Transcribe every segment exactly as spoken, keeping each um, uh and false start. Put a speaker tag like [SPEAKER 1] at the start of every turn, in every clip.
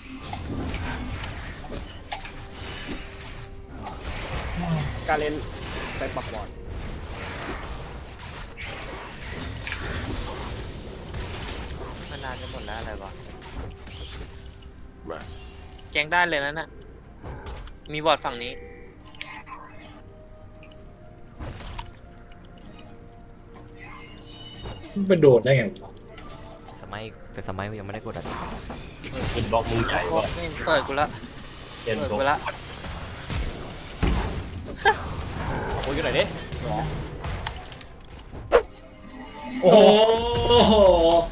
[SPEAKER 1] การเล่นไปปักบอล
[SPEAKER 2] มานานจะหมดแล้วอะไรวะแกงได้เลยนะน่ะมีบอร์ดฝั่งนี้
[SPEAKER 3] ไปโดดได้ไงวะ
[SPEAKER 4] สมัยแต่สมัยกูยังไม่ได้กดอ่ะ
[SPEAKER 5] อินบล็อกมือใหญ่ว่ะ
[SPEAKER 2] เปิดกูละ
[SPEAKER 5] เอ็น
[SPEAKER 2] เปิด
[SPEAKER 5] บล็อก
[SPEAKER 2] กูละ
[SPEAKER 1] โอ้ยกันหน่อยดิ
[SPEAKER 3] โอ้โห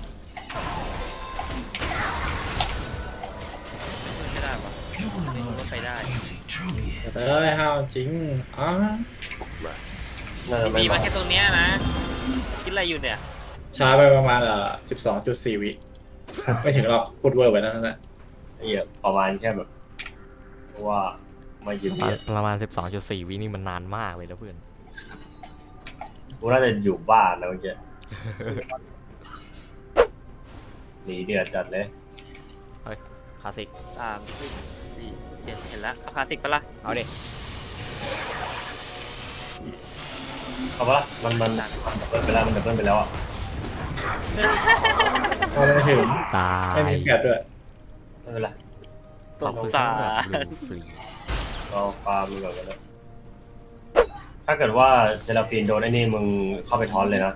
[SPEAKER 2] ไม่ได้ปะไม่รู้ว่าไปได้
[SPEAKER 3] เอ้ยห้าวจริงอ๋อ
[SPEAKER 5] น่าจะไม่
[SPEAKER 2] มี
[SPEAKER 5] มา
[SPEAKER 2] มาแค่ตรงเนี้ยนะคิดอะไรอยู่เนี่ย
[SPEAKER 3] ช้าไปประมาณเอ่อสิบสองจุดสี่วิไม่ถึงหรอกพูดเวอร์ไปนั่นแหละ
[SPEAKER 5] ไอ้เหี้ยประมาณแค่แบบเพราะว่าไม่ยืน
[SPEAKER 4] ประมา
[SPEAKER 5] เดี
[SPEAKER 4] ณ
[SPEAKER 5] ย
[SPEAKER 4] ประมาณสิบสองจุดสี่วินี่มันนานมากเลยนะเพื่อน
[SPEAKER 5] กูน่าจะอยู่บ้านนะเมื่อกี้หนีเดือดจัดเลย
[SPEAKER 4] คลาสสิก
[SPEAKER 2] สามสี่สี่เจ็ดเห็นแล้วเอาคลาสสิกปะล่ะ
[SPEAKER 4] เอาดิ
[SPEAKER 5] เอาปะล่ะมันมันมันดับเบิลไปแล้วมันดับเบิลไปแล้วอ่ะ
[SPEAKER 3] พอไม่ถึง
[SPEAKER 4] ตาย
[SPEAKER 3] ไม่มีแฟดด้วย
[SPEAKER 5] ไม่เป็นไร
[SPEAKER 2] สงสาร
[SPEAKER 4] ฟรี
[SPEAKER 5] เราฟาร์มก่อนกันนะถ้าเกิดว่าเซราฟีนโดนไอ้นี่มึงเข้าไปทอนเลยนะ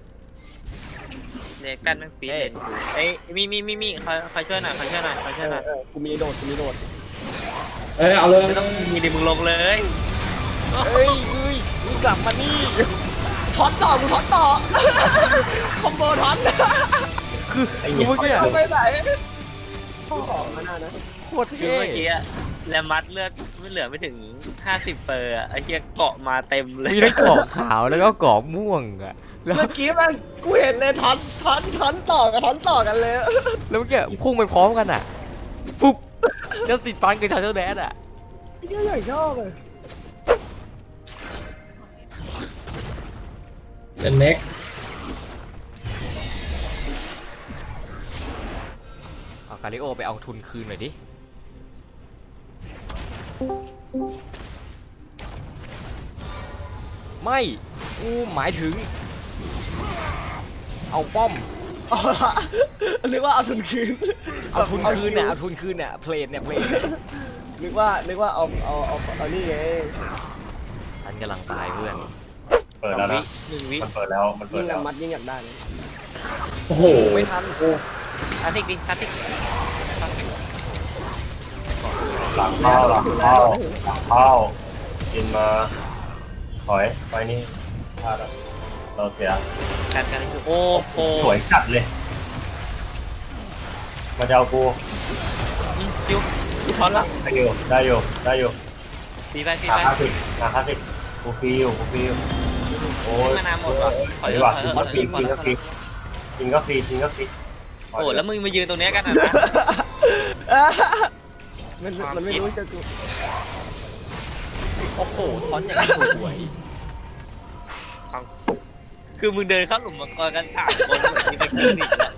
[SPEAKER 2] เนี่ยกันแม่งฟีดเลยเอ้ยมีมีมีมีใครใครช่วยหน่อยใครช่วยหน่อยใครช่วยหน่อย
[SPEAKER 1] เออกูมีโดดกูมีโดด
[SPEAKER 3] เอ้ยเอาเลย
[SPEAKER 2] ไม่ต้องมีดิมึงลงเลย
[SPEAKER 1] เฮ้ยเฮ้ยมึงกลับมานี่ท็อตต่อมึงท็อตต่อคอมโบท็อต
[SPEAKER 5] ไอ้เหี้ย
[SPEAKER 4] เมื่อกี้
[SPEAKER 1] ไปไหนข้อสองมันน่านะ
[SPEAKER 4] โคตร
[SPEAKER 2] คือ
[SPEAKER 4] เท่
[SPEAKER 2] เมื่อกี้อะแลมัดเลือดไม่เหลือไม่ถึงห้าสิบเปอร์อะไอ้เหี้ยเกาะมาเต็มเลย
[SPEAKER 4] มีทั้งกรอบขาวแล้วก็กรอบม่วงอ่ะแล้ว
[SPEAKER 1] เมื่อกี้มันกูเห็นเลยท็อตท็อตท็อตต่อกับท็อตต่อกันเลย
[SPEAKER 4] แล้วเมื่อกี้พุ่งไปพร้อมกันอ่ะปุ๊บจะติดฟันกับชาเชอร์แดดอ่ะ
[SPEAKER 1] เหี้ยอย่างชอบเลย
[SPEAKER 3] เป็นเน็ก
[SPEAKER 4] เอาคาริโอไปเอาทุนคืนหน่อยดิไม่กูหมายถึง เอาป้อม
[SPEAKER 1] เอาละนึกว่าเอาทุนคืน
[SPEAKER 4] เอาทุนคืนเนี่ยเอาทุนคืนเนี่ยเพลนเนี่ยเพลนเนี่ย
[SPEAKER 1] นึกว่านึกว่าเอาเอาเอาเอานี่ไง
[SPEAKER 4] ฉันกำลังตายเพื่อน
[SPEAKER 5] เปิดแล้วนะ
[SPEAKER 2] หนึ่งวิ
[SPEAKER 5] มันเปิดแล้วมันเปิ
[SPEAKER 1] ยิ่
[SPEAKER 5] ด
[SPEAKER 1] ง
[SPEAKER 5] แล้ว
[SPEAKER 1] นำมัดยิ่งอยากได้เลย
[SPEAKER 3] โอ้โห
[SPEAKER 4] ไม่ทัน
[SPEAKER 2] คลาสสิกดิคลาสสิก
[SPEAKER 5] หลังเข้าหลังเข้าหลังเข้ากินมาถอยไปนี่พลาดแล้วเราเสีย
[SPEAKER 2] การการคือโอ้โห
[SPEAKER 5] สวยจัดเลยมาจะเอากู
[SPEAKER 2] จิ้วทอนละ
[SPEAKER 5] ได้อยู่ได้อยู่ได้อยู่
[SPEAKER 2] ฟีไปฟี
[SPEAKER 5] หา
[SPEAKER 2] ไป
[SPEAKER 5] คลาสสิกหาคลาสสิกกูฟรีอยู่กูฟรีอยู่โอ้ย
[SPEAKER 2] มานาวหมดว่ะถ
[SPEAKER 5] ถ
[SPEAKER 2] อ
[SPEAKER 5] อย ย
[SPEAKER 2] เถ
[SPEAKER 5] ดี
[SPEAKER 2] อะ
[SPEAKER 5] กว่า
[SPEAKER 2] ถอยเถ
[SPEAKER 5] จริง
[SPEAKER 2] อะ
[SPEAKER 5] ก็ฟรีจริงก็ฟรีจริงก็ฟรีจริงก็ฟรี
[SPEAKER 2] โอ้แล้วมึงมายืนตรงเนี้ยกันนะ
[SPEAKER 1] มันมันไม่รู้จะกู
[SPEAKER 4] โอ้โหทอนอย่างสวย
[SPEAKER 2] คือมึงเดินเข้าหลุมมังกรกันสามคนเหมือนมีไปกินอีกแล้ว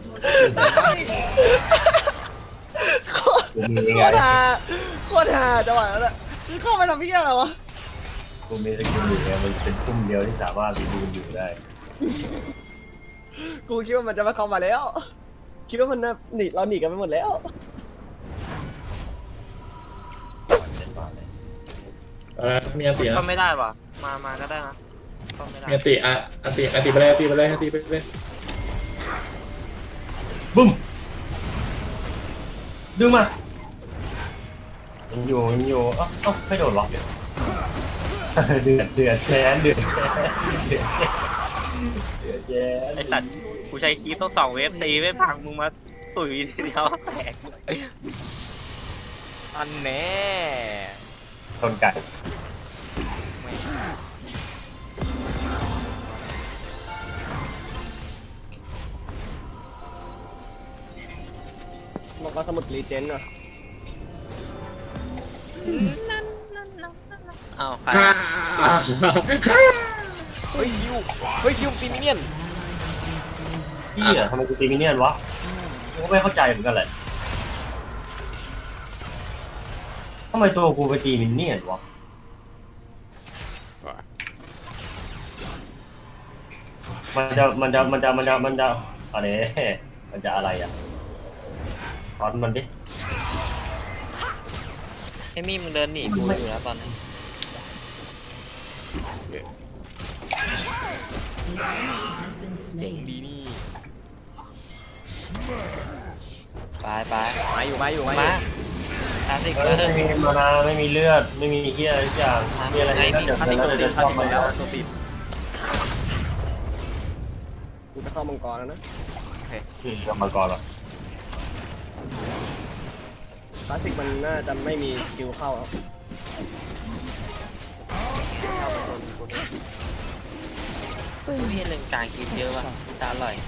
[SPEAKER 1] โคตร
[SPEAKER 5] กูมี
[SPEAKER 1] โค
[SPEAKER 5] ไง
[SPEAKER 1] ตรฮาโคตรฮาจังหวะนั้นอะคือเข้าไปทำพี่อะไรวะ
[SPEAKER 5] กูมีสกิลอยู่ไงมันเป็นพุ่มเดียวที่สามารถรีดูอยู่ได้
[SPEAKER 1] กูคิดว่ามันจะมาเข้ามาแล้ว คิดว่ามันน่ะหนีเราหนีกันไปหมดแล้ว
[SPEAKER 3] เออมีอันตินะ
[SPEAKER 2] ก็ไม่ได้ว่ะมามาก็ได้นะก็ไม่ได้
[SPEAKER 3] มีอันติอ่ะอันติอันติไปเลยอันติไปเลยอันติไปเลย
[SPEAKER 5] บึ้มดึงมายังอยู่ยังอยู่เอ้าเอ้าไม่โดนล็อกเดือดเดือดเดือดแค้นเดือดแค้นเดือดแค้นเดือดแค้น
[SPEAKER 2] ไอสัตว์กูใช้คีย์ต้องสองเวฟตีไม่พังมึงมาตุ๋ยทีเดียวแตก
[SPEAKER 4] อันแน่
[SPEAKER 5] ชนไก่
[SPEAKER 1] บอกว่าสมุดรีเจนต์ว่ะ
[SPEAKER 2] อ้าวใคร
[SPEAKER 3] อ่า
[SPEAKER 4] เฮ้ยคิวเฮ้ยคิวตีมิเนียน
[SPEAKER 5] พี่อะทำไมกูตีมิเนียนวะกูก็ไม่เข้าใจเหมือนกันแหละำไมตัวกูไปตีมินเนี่ยนวะมันจะมันจะมันจะมันจะมันจะอะไรมันจะอะไรอ่ะตอนมันดิ
[SPEAKER 2] ไอ้มี่มึงเดินหนีกูอยู่แล้วตอนนี้
[SPEAKER 4] เจ๋งดีนี่
[SPEAKER 2] ไปไป
[SPEAKER 4] มาอยู่มาอยู่มาอ
[SPEAKER 2] มา
[SPEAKER 4] ยู่
[SPEAKER 2] คลาสสิก
[SPEAKER 5] เอ
[SPEAKER 2] เล
[SPEAKER 5] อย ไม่มีมานาไม่มีเลือดไม่มีเฮียอะไรทุกอย่างมีอะไรก็เดี๋ยว
[SPEAKER 4] ถ้าติด
[SPEAKER 5] เรา
[SPEAKER 4] ตัวติ
[SPEAKER 5] จะ
[SPEAKER 4] ด
[SPEAKER 5] ช
[SPEAKER 4] ถ้า
[SPEAKER 5] อบ
[SPEAKER 4] ติด
[SPEAKER 5] มา
[SPEAKER 4] แล้
[SPEAKER 5] แล้ว ว
[SPEAKER 4] ตัวติด
[SPEAKER 1] กูจะเข้ามังกรแล้วนะ
[SPEAKER 5] อืมมาก่อนเหรอ
[SPEAKER 1] คลาสสิกมันน่าจะไม่มีสกิลเข้าครับ
[SPEAKER 2] กูเห็นหนึ่งกลางคลิปเยอะว่ะตาอร่อย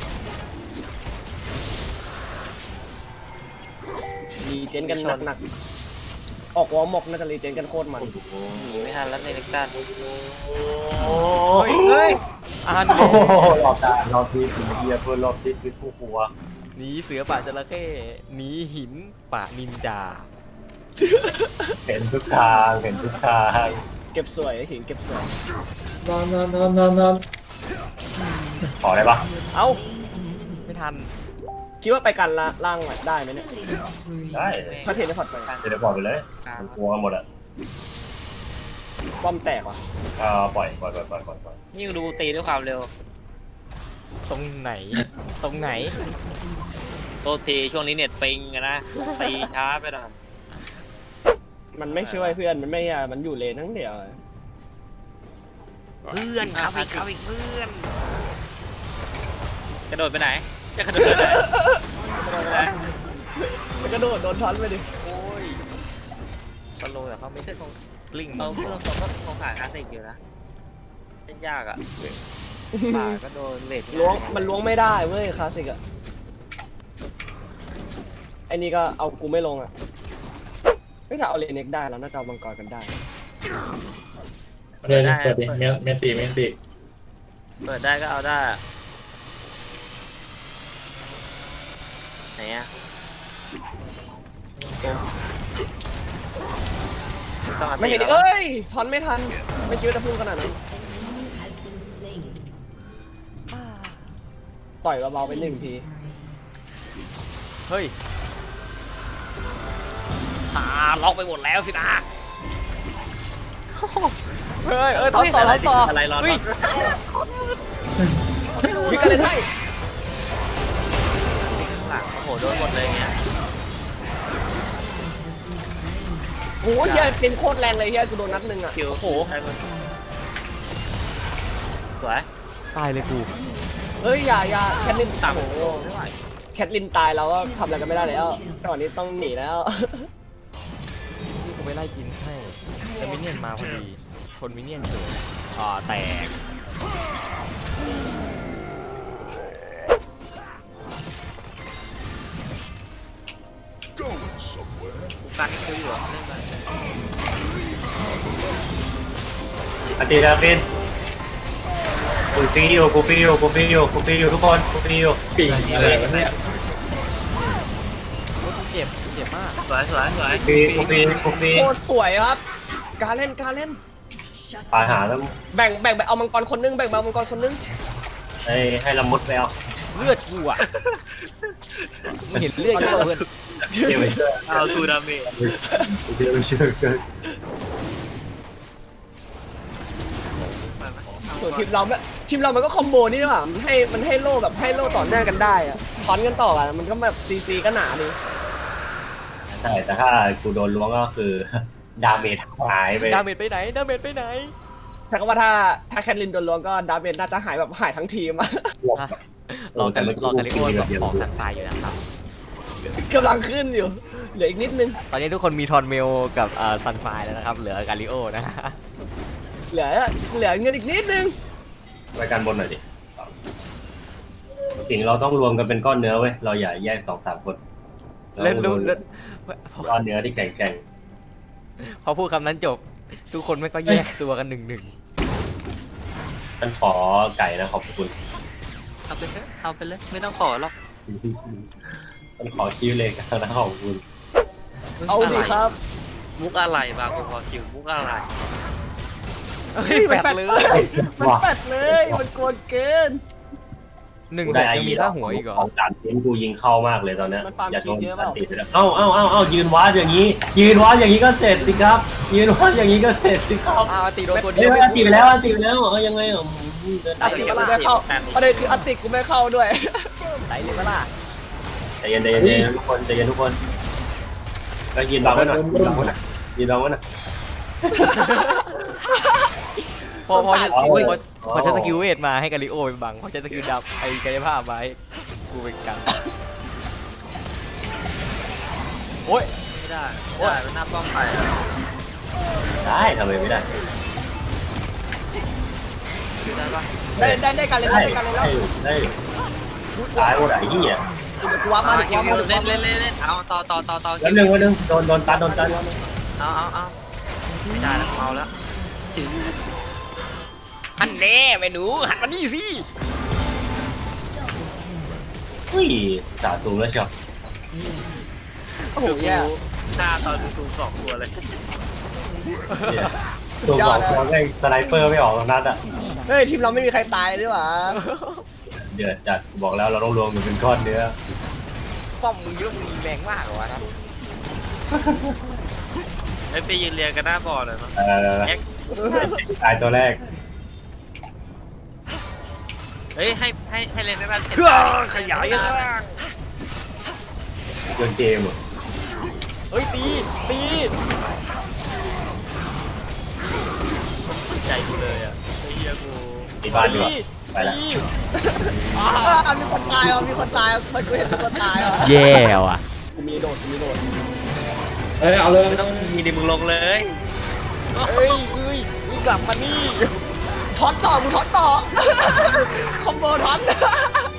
[SPEAKER 1] รีเจนกันหนักๆออกวอลม็อกน่าจะรีเจนกันโคตรมัน
[SPEAKER 2] หนีไม่ทันแล้วในเล็กตัน
[SPEAKER 5] โอ้
[SPEAKER 4] เฮ้ยเฮ้ยอ่าน
[SPEAKER 5] โหรอบการรอบที่เฮียเพื่อนรอบที่คือผู้หัว
[SPEAKER 4] หนีเสือป่าจระเข้หนีหินป่านินจา
[SPEAKER 5] เห็นทุกทางเห็นทุกทาง
[SPEAKER 1] เก็บสวยหินเก็บสวย
[SPEAKER 3] นอนนอนนอนนอนนอน
[SPEAKER 5] ขอได้ปะ
[SPEAKER 4] เอ้าไม่ทัน
[SPEAKER 1] คิดว่าไปกันละล่างได้ไหมเนี่ย
[SPEAKER 5] ได้
[SPEAKER 1] ถ้าเทเลพอร์ตไป
[SPEAKER 5] เดี๋ยวปล่อยไปเลยมันกลัวกันหมดอ่ะ
[SPEAKER 1] ป้อมแตกว่ะ
[SPEAKER 5] ก็ปล่อยปล่อยปล่อยปล่อยปล่อยปล่อย
[SPEAKER 2] ยิ่งดูตีด้วยความเร็ว
[SPEAKER 4] ตรงไหน ตรงไหน
[SPEAKER 2] โทษทีช่วงนี้เน็ตปิงอะนะตีช้าไปหน่อย
[SPEAKER 1] มันไม่ช่วยเพื่อนมันไม่อะมันอยู่เลนทั้งเดียว
[SPEAKER 4] เพื่อนครับอีกครับอีกเพื่อน
[SPEAKER 2] กระโดดไปไหนจะกระโดดไปไหนกระโดดไปไหน
[SPEAKER 1] มันกระโดดโดนช้อนไปดิ
[SPEAKER 4] โอ้ยสโลว์แต่เขาไม่ใช่ตรงกลิ้ง
[SPEAKER 2] เอาเพื่อนตรงก็คงหาคลาสสิกอยู่นะเล่นยากอ่ะป่าก็โดนเลด
[SPEAKER 1] ล้วงมันล้วงไม่ได้เว้ยคลาสสิกอะไอ้นี่ก็เอากูไม่ลงอะไม่ถ้าเอาเลนเน็กได้แล้วน่าจะเอามังกรกันได้
[SPEAKER 3] เดี๋ยวนี้เปิดดิเมนเมนตีเมนตี
[SPEAKER 2] เปิดได้ก็เอาได้อะไหนอ่ะต้อง
[SPEAKER 1] ไม่เห็นดิเอ้ยช้อนไม่ทันไม่คิดว่าจะพุ่งขนาดนั้นต่อยเบาๆไปหนึ่งที
[SPEAKER 4] เฮ้ยหาล็อกไปหมดแล้วสินะเฮ้ยเออต่อต่อต่อ
[SPEAKER 2] อะไรรอ
[SPEAKER 4] เฮ้ย
[SPEAKER 1] มีกันเลยให้
[SPEAKER 2] หลังโอ้โหโดนหมดเลยเนี่ย
[SPEAKER 1] โอ้ยเฮียเป็นโคตรแรงเลยเฮียกูโดนนัดหนึ่งอะ
[SPEAKER 2] คิว
[SPEAKER 1] โอ้โห
[SPEAKER 2] ใช่ไหมสวย
[SPEAKER 4] ตายเลยกู
[SPEAKER 1] เฮ้ยอย่าอย่าแคทลิน
[SPEAKER 2] ต่ำ
[SPEAKER 1] โอ้โห
[SPEAKER 2] ไม่ไหว
[SPEAKER 1] แคทลินตายเราก็ทำอะไรกันไม่ได้แล้วตอนนี้ต้องหนีแล้ว
[SPEAKER 4] นี่กูไปไล่จินให้แต่มินเนี่ยนมาพอดีชนมินเนี่ยนเฉยอ่าแตก
[SPEAKER 2] กูกันคิวอยู่อ่ะเล่นไป
[SPEAKER 5] อาติดาฟินกูฟีอยู่กูฟีอยู่กูฟีอยู่กูฟีอยู่ทุกคนกูฟีอยู่
[SPEAKER 3] ปีกอะไรวะเนี่ย
[SPEAKER 4] โอ้ยกูเจ็บกูเจ็บมาก
[SPEAKER 2] สวยสวยสวย
[SPEAKER 5] ฟีกูฟีกูฟี
[SPEAKER 1] โคตรสวยครับ การเล่นการเล่น
[SPEAKER 5] ปาหาแล้ว
[SPEAKER 1] แบ่งแบ่งไปเอามังกรคนนึงแบ่งไปเอามังกรคนนึง
[SPEAKER 5] ให้ให้ละมุดไปเอา
[SPEAKER 4] เลือดกูอ่ะมึงเห็นเลือดกูเพื่อน
[SPEAKER 5] เดี๋ยวไปช่วย
[SPEAKER 2] เอาทูดาเมจ
[SPEAKER 5] เดี๋ยวไปช่วยกัน
[SPEAKER 1] ส่วนทีมเราเนี่ยทีมเรามันก็คอมโบนี่ดีกว่ามันให้มันให้โล่แบบให้โล่ต่อเนื่องกันได้อะถอนกันต่อกันมันก็แบบซีซีก็หนาดี
[SPEAKER 5] ใช่แต่ถ้ากูโดนล้วงก็คือ ดาเมจหายไป
[SPEAKER 4] ดาเมจไปไหนดาเมจไปไหน
[SPEAKER 1] แต่ก็ว่าถ้าถ้าแคทลินโดนล้วงก็ดาเมจน่าจะหายแบบหายทั้งทีมอะ
[SPEAKER 4] อ่ะรอกันรอกันลิโอบอกสันไฟอยู่นะครับ
[SPEAKER 1] กำลังขึ้นอยู่เหลืออีกนิดนึง
[SPEAKER 4] ตอนนี้ทุกคนมีทอนเมลกับเอ่อซันไฟแล้วนะครับ เหลือกาลิโอนะฮะ
[SPEAKER 1] เหลือเหลือเงินอีกนิดนึง
[SPEAKER 5] รายการบนหน่อยดิสิ่งเราต้องรวมกันเป็นก้อนเนื้อเว้ยเราอย่าแยกสองสามคน
[SPEAKER 4] เล่นรู้เล่น
[SPEAKER 5] ก้อนเนื้อที่แข็ง
[SPEAKER 4] พอพูดคำนั้นจบ ทุกคนไม่ก็แยกตัวกันหนึ่งหนึ่ง
[SPEAKER 5] ๆมันขอไก่นะขอบคุณ
[SPEAKER 2] เอาไปเลยเอาไปเลยไม่ต้องขอหรอก
[SPEAKER 5] มันขอคิวเลยกันนะขอบคุณ
[SPEAKER 1] เอาสิครับ
[SPEAKER 2] มุกอะไรบางคนพอคิวมุกอะไร
[SPEAKER 4] เฮ้
[SPEAKER 1] เฮ้
[SPEAKER 4] ย
[SPEAKER 1] ย
[SPEAKER 4] แป
[SPEAKER 1] มัน
[SPEAKER 4] ด
[SPEAKER 1] แฟด
[SPEAKER 4] เล
[SPEAKER 1] เลย ยมันแฟดเลยมันกวนเกิน
[SPEAKER 4] หนึ่ง
[SPEAKER 5] กู
[SPEAKER 4] ห
[SPEAKER 5] ได้
[SPEAKER 4] ก
[SPEAKER 5] ไอ้
[SPEAKER 4] ยังมี
[SPEAKER 5] เหี้ย
[SPEAKER 4] ค่าหัวอีกเหรอ
[SPEAKER 5] ของสามชิ้นกูยิงเข้ามากเลยตอนเนี้ย
[SPEAKER 1] มันฟาร์ม
[SPEAKER 5] อย่าโดน
[SPEAKER 1] ชิ้นเยอะเปล่า
[SPEAKER 5] ติดเลยเอ้าเอ้าเอ้าเอ้ายืนวัดอย่างนี้ ยืนวัดอย่างนี้ก็เสร็จสิครับ ยืนวัดอย่างนี้ก็เสร็จสิครับ
[SPEAKER 4] อ้าวตีโดนตัวเดี
[SPEAKER 5] เฮ้
[SPEAKER 4] ย
[SPEAKER 5] ยว อันตีไปแล้วอันตีไปแล้วเอายังไงอ่ะอืมเดิน
[SPEAKER 1] อั
[SPEAKER 5] ไป
[SPEAKER 1] นติกูไม่เข้าประเด็นคืออันติกูไม่เข้าด้วยไหนเลยปะล่ะ
[SPEAKER 5] ใจเย็นใจเย็นใจเย็นทุกคนใจเย็นทุกคนก็ยืนบังไว้หน่อยยืนบังไว้หน่อยยืนบังไว้หน่อย
[SPEAKER 4] พอพอพอ
[SPEAKER 5] เอา
[SPEAKER 4] พ
[SPEAKER 5] เว้ย
[SPEAKER 4] อพอใช้สกิลเวทมาให้กาลิโอไปบังพอใช้สกิลดับไอ้กายภาพมาให้กูเป็นกันโอ้ย
[SPEAKER 2] ไม่ได้ไม่ได้มันหน้าป้อมไปอะ
[SPEAKER 5] ได้ทำไมไม่ได้
[SPEAKER 2] ได้ปะ
[SPEAKER 1] ได้ได้ได้กันเลย
[SPEAKER 5] ได้
[SPEAKER 1] ได้กันเลยแล้
[SPEAKER 5] ได้
[SPEAKER 1] ว
[SPEAKER 5] ได้ตายหมดไอ้เหี้ย
[SPEAKER 1] เดี๋ยวกูว่ามา
[SPEAKER 2] มา
[SPEAKER 1] เดี๋ยว
[SPEAKER 2] คิ
[SPEAKER 1] กู
[SPEAKER 2] ว
[SPEAKER 1] ว่ามา
[SPEAKER 2] เล่นเล่นเล่นเล่นเอาต่อต่อต่อต่อ
[SPEAKER 5] แล้วหนึ่งวันหนึ่งโดนโดนตัดโดนตัด
[SPEAKER 2] เอาเอาเอาไม่ได้แล้วเมาแล้วจืด
[SPEAKER 4] อันแน่แม่หนูหันมานี่สิ
[SPEAKER 5] เฮ้ยจ่าตูมแล้วเชียว
[SPEAKER 1] โอ้โหแย่
[SPEAKER 2] หน้าตอนดูสองตัวเลย
[SPEAKER 5] เนี่ยตัวบอกตัวแม่งสไนเปอร์ไม่ออกตรงนัดอ่ะ
[SPEAKER 1] เฮ้ยทีมเราไม่มีใครตายด้วยวะ
[SPEAKER 5] เดือดจัดบอกแล้วเราต้องรวมกันเป็นก้อนเนื้อ
[SPEAKER 4] ป้อมมึงเยอะมึงแรงมากเหรอวะนะ
[SPEAKER 2] ไอ้ไปยืนเรียงกันหน้าบอลเลยเนาะ
[SPEAKER 5] เออ
[SPEAKER 2] แอ็ก
[SPEAKER 5] ตายตัวแรก
[SPEAKER 2] เฮ้ยให้ให้ให้เล่นได้บ้างเสร็จ
[SPEAKER 4] เพื่อขยายกัน
[SPEAKER 5] โยนเกมอ่ะ
[SPEAKER 4] เฮ้ยตีตี
[SPEAKER 2] ใจกูเลยอ่ะไอ้เหี้ยกู
[SPEAKER 5] ตีบ้านดีกว่า
[SPEAKER 4] ตี
[SPEAKER 5] ไปละ
[SPEAKER 4] ตี
[SPEAKER 1] อ่ามีคนตายอ่ะมีคนตายอ่ะมันกูเห็นมีคนตายอ่ะ
[SPEAKER 4] แย่ว่ะ
[SPEAKER 1] กูมีโดดกูมีโดด
[SPEAKER 3] เอ้ยเอาเลย
[SPEAKER 2] ไม่ต้องมีดิมึงลงเลย
[SPEAKER 4] เฮ้ยเฮ้ยมึงกลับมานี่
[SPEAKER 1] ท็อตต่อกูท็อตต่อ คอมโบท็อต